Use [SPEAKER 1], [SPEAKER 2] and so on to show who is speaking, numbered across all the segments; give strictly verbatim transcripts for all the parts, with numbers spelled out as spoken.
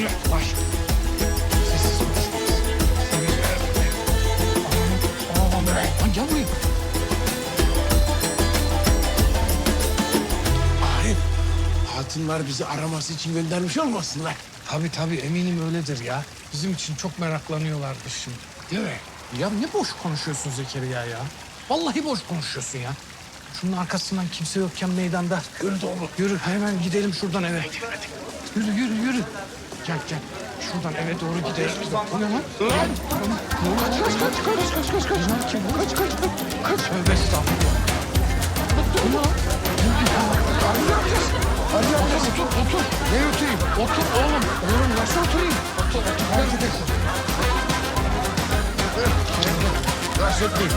[SPEAKER 1] Yavaş. Sessiz konuş. Aman be. Lan gel buraya. Arif, hatunlar bizi araması için göndermiş olmasınlar.
[SPEAKER 2] Tabii tabii eminim öyledir ya. Bizim için çok meraklanıyorlardır şimdi.
[SPEAKER 1] Değil mi?
[SPEAKER 2] Ya ne boş konuşuyorsun Zekeriya ya. Vallahi boş konuşuyorsun ya. Şunun arkasından kimse yokken meydanda.
[SPEAKER 1] Yürü doğru.
[SPEAKER 2] Yürü hemen gidelim şuradan eve. Yürü yürü yürü. Gel gel. Şuradan eve doğru gidelim. Bu ne lan?
[SPEAKER 1] Lan! Kaç kaç kaç kaç kaç kaç kaç.
[SPEAKER 2] Bunlar kim?
[SPEAKER 1] Kaç kaç kaç. Kaç.
[SPEAKER 2] Tövbe estağfurullah.
[SPEAKER 1] Bu ne? Arı yapacağız. Arı yapacağız. Otur otur.
[SPEAKER 2] Ne oturayım?
[SPEAKER 1] Otur oğlum.
[SPEAKER 2] Oğlum nasıl oturayım?
[SPEAKER 1] Otur otur. Gel gidelim. Rahatsız etmeyin.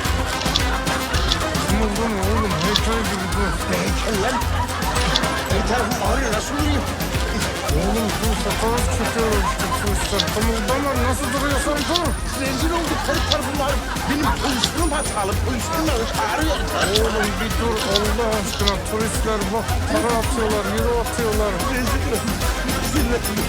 [SPEAKER 2] Kımıldı mı oğlum? Heykel gibi dur.
[SPEAKER 1] Heykel lan. Bir tarafım ağrıyor. Nasıl yürüyeyim?
[SPEAKER 2] Oğlum dur sakalız çıkıyor işte. Sus kımıldama nasıl duruyorsan dur.
[SPEAKER 1] Rezil olduk. Her tarafım ağrıyor. Benim pozisyonum hatalı. Pozisyonum ağrıyor.
[SPEAKER 2] Oğlum bir dur Allah aşkına. Turistler bak para atıyorlar, euro atıyorlar.
[SPEAKER 1] Rezil olduk. Rezil olduk.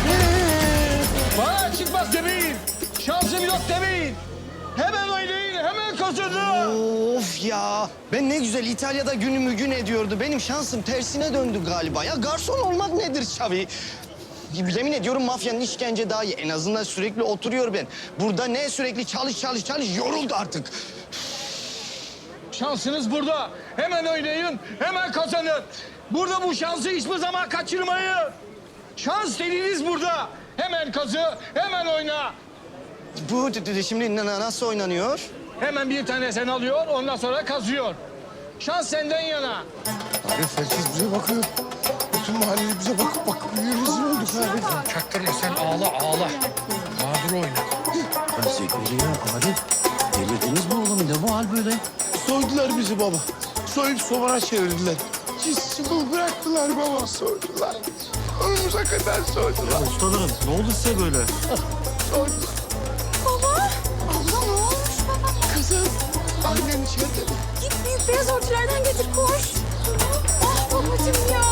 [SPEAKER 3] Bana çıkmaz demeyin. Şansım yok demeyin. Hemen oynayın, hemen kazanın.
[SPEAKER 4] Of ya. Ben ne güzel İtalya'da günümü gün ediyordu. Benim şansım tersine döndü galiba. Ya garson olmak nedir Xavi? Yemin ediyorum mafyanın işkence daha iyi. En azından sürekli oturuyor ben. Burada ne sürekli çalış çalış çalış yoruldu artık.
[SPEAKER 3] Şansınız burada. Hemen oynayın, hemen kazanın. Burada bu şansı hiçbir zaman kaçırmayın. Şans dediğiniz burada. Hemen kazı, hemen oyna.
[SPEAKER 4] Bu d- d- şimdi na- nasıl oynanıyor?
[SPEAKER 3] Hemen bir tane sen alıyor, ondan sonra kazıyor. Şans senden yana.
[SPEAKER 1] Arif herkes bize bakıyor. Bütün mahalle bize bakıp bakıp rezil olduk Arif.
[SPEAKER 2] Çaktırma sen ağla ağla. Mağdur oyna.
[SPEAKER 5] Zekeriya, Arif. Delirdiniz mi oğlum? Ne bu hal böyle?
[SPEAKER 1] Soydular bizi baba. Soyup sobana çevirdiler. Cismi bıraktılar baba, soydular. Önümüze kadar soydular.
[SPEAKER 5] Ustalarım, ne oldu size böyle?
[SPEAKER 1] Soydular.
[SPEAKER 6] Baba! Abla ne olmuş baba?
[SPEAKER 1] Kızım, annen içeride mi?
[SPEAKER 6] Git büyük beyaz örtülerden getir koş. Ah babacığım ya.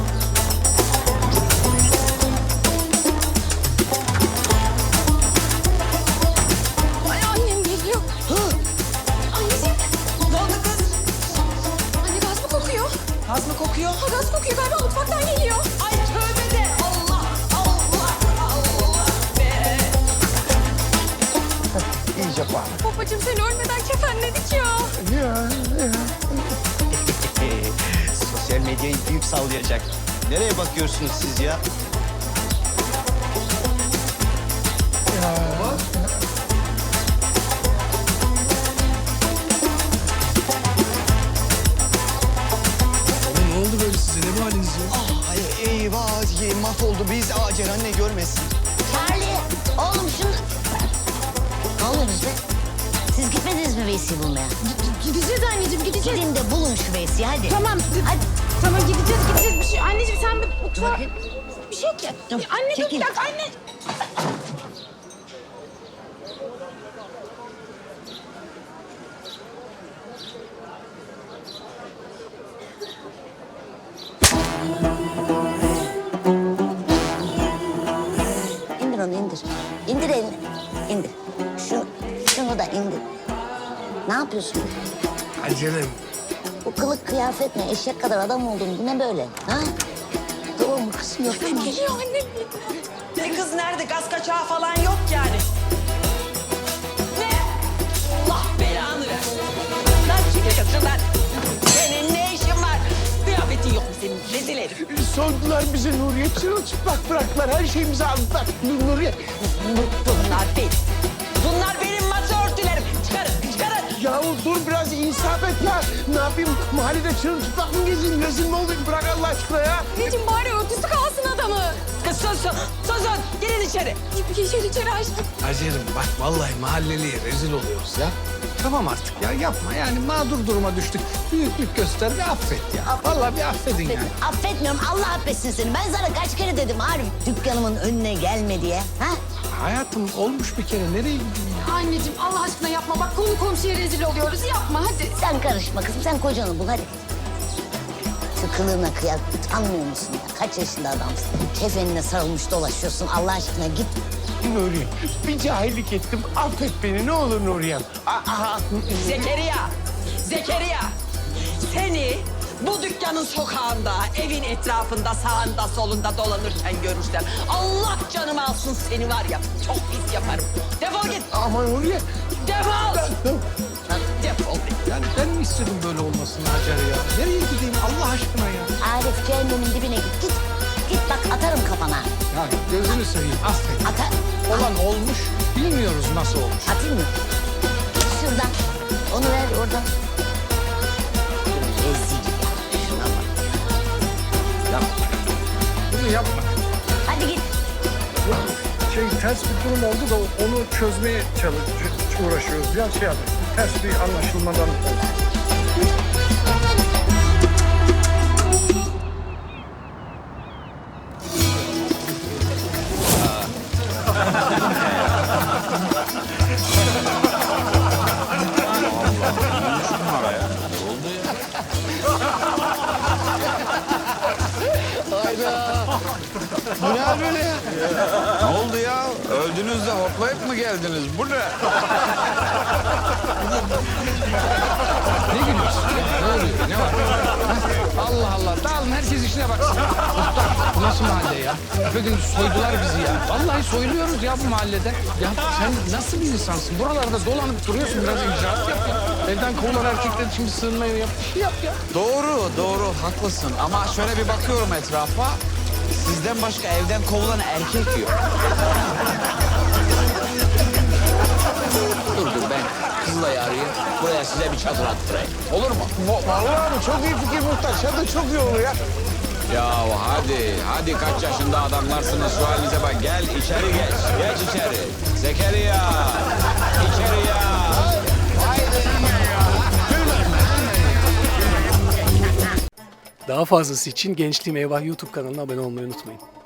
[SPEAKER 6] Ay annem geliyor. Anneciğim. Ne oldu kız? Anne gaz mı kokuyor?
[SPEAKER 7] Gaz mı kokuyor?
[SPEAKER 6] Ha, gaz kokuyor galiba mutfaktan geliyor.
[SPEAKER 7] Ay tövbe de Allah Allah Allah be.
[SPEAKER 1] İyice bağlı.
[SPEAKER 6] Babacığım seni ölmeden kefenledik ya.
[SPEAKER 1] Ya, ya.
[SPEAKER 4] Sosyal medyayı büyük sallayacak. Nereye bakıyorsunuz siz ya?
[SPEAKER 2] Oğlum ne oldu böyle size? Ne bu haliniz ya?
[SPEAKER 4] Ay eyvah, ye- mahvoldu biz. Aa Ceren ne görmesin.
[SPEAKER 8] Charlie, oğlum şunu... Ne oluyorsunuz be? Siz gitmediniz mi Veysi'yi bulmaya?
[SPEAKER 6] Gideceğiz anneciğim gideceğiz.
[SPEAKER 8] Gidin de bulun şu Veysi'yi hadi.
[SPEAKER 6] Tamam.
[SPEAKER 8] Hadi.
[SPEAKER 6] Tamam gideceğiz gideceğiz bir şey. Anneciğim sen bir
[SPEAKER 8] Dur
[SPEAKER 6] mutfağa...
[SPEAKER 8] bakayım.
[SPEAKER 6] Bir şey ki.
[SPEAKER 8] Dur,
[SPEAKER 6] Anne dur
[SPEAKER 8] çekil.
[SPEAKER 6] bir dakika anne.
[SPEAKER 8] İndir onu indir. İndir elini. İndir. Şunu, şunu da indir. Ne yapıyorsun?
[SPEAKER 2] Acelem.
[SPEAKER 8] Bu kılık kıyafet ne? Eşek kadar adam oldun. Bu ne böyle? Ha? Tamam mı kızım yapma.
[SPEAKER 6] Geliyor annem.
[SPEAKER 7] Ne kız nerede? Gaz kaçağı falan yok yani. Ne? Allah belanı versin. Lan çekil şuradan. Senin ne işin var? Kıyafetin yok mu senin? Rezil herif.
[SPEAKER 1] Soydular bizi Nuriye. Çırılçıplak bıraktılar. Her şeyimizi aldılar. Nuriye.
[SPEAKER 7] Bunlar benim. Bunlar benim masa örtülerim. Çıkarın, çıkarın.
[SPEAKER 1] Yahu dur biraz insaf et ya. Ne yapayım? Mahallede çırılçıplak mı gezeyim? Rezil mi olayım? Bırak Allah aşkına ya.
[SPEAKER 6] Anneciğim bari örtüsü kalsın adamı.
[SPEAKER 7] Kız sus, sus, susun. Girin içeri.
[SPEAKER 6] Geçer içeri açtık.
[SPEAKER 2] Acelem bak vallahi mahalleliye rezil oluyoruz ya. Tamam artık ya yapma yani mağdur duruma düştük. Büyüklük göster ve affet ya. Vallahi bir affedin yani.
[SPEAKER 8] Affetmiyorum. Allah affetsin seni. Ben sana kaç kere dedim Arif. Dükkanımın önüne gelme diye. Ha?
[SPEAKER 2] Hayatım olmuş bir kere nereye gideyim ya?
[SPEAKER 6] Anneciğim Allah aşkına yapma. Bak konu komşuya rezil oluyoruz. Yapma hadi.
[SPEAKER 8] Sen karışma kızım. Sen kocanı bul hadi. Tut. kılığına kıyar. Utanmıyor musun ya? Kaç yaşında adamsın? Kefenine sarılmış dolaşıyorsun. Allah aşkına git.
[SPEAKER 1] Nuriye, bir cahillik ettim. Affet beni ne olur Nuriye'm. Aha.
[SPEAKER 7] Zekeriya, Zekeriya. Seni bu dükkanın sokağında, evin etrafında, sağında, solunda dolanırken görürsem... Allah canımı alsın seni var ya, çok pis yaparım. Defol git,
[SPEAKER 1] Ama Nuriye.
[SPEAKER 7] defol. Defol.
[SPEAKER 2] Yani ben mi istedim böyle olmasını Hacer ya? Nereye gideyim Allah aşkına ya?
[SPEAKER 8] Arif cehennemin dibine git. Git. Git bak atarım kafana.
[SPEAKER 2] Ya gözünü seveyim affet.
[SPEAKER 8] Atar.
[SPEAKER 2] Olan olmuş, bilmiyoruz nasıl olmuş.
[SPEAKER 8] Atayım mı? Git şuradan. Onu ver oradan. Rezil ya. Şuna bak.
[SPEAKER 2] Yapma. Bunu yapma.
[SPEAKER 8] Hadi git.
[SPEAKER 9] Şey ters bir durum oldu da onu çözmeye çalış uğraşıyoruz. Ya şey yapın. Ters bir anlaşılmadan oldu.
[SPEAKER 1] Bu ne hal böyle ya?
[SPEAKER 10] Ne oldu ya? Öldünüz de hoplayıp mı geldiniz? Bu ne?
[SPEAKER 2] Ne gülüyorsun? Ne oluyor? Ne var? Ha? Allah Allah. Dağılın herkes işine baksın. Muhtar bu nasıl mahalle ya? Bugün soydular bizi ya. Vallahi soyuluyoruz ya bu mahallede. Ya sen nasıl bir insansın? Buralarda dolanıp duruyorsun. Biraz icraat yap ya. Evden kovulan erkekler şimdi sığınmayı yap. Bir şey yap ya.
[SPEAKER 10] Doğru, doğru. Haklısın. Ama şöyle bir bakıyorum etrafa. Sizden başka evden kovulan erkek yok. Dur dur ben Kızılay'ı arayayım. Buraya size bir çadır attırayım. Olur mu?
[SPEAKER 1] Vallahi abi çok iyi fikir muhtar. Çadır çok iyi olur ya.
[SPEAKER 10] Ya hadi, hadi kaç yaşında adamlarsınız şu halinize bak. Gel içeri geç, geç içeri. Zekeriya, içeriya.
[SPEAKER 9] Daha fazlası için Gençliğim Eyvah YouTube kanalına abone olmayı unutmayın.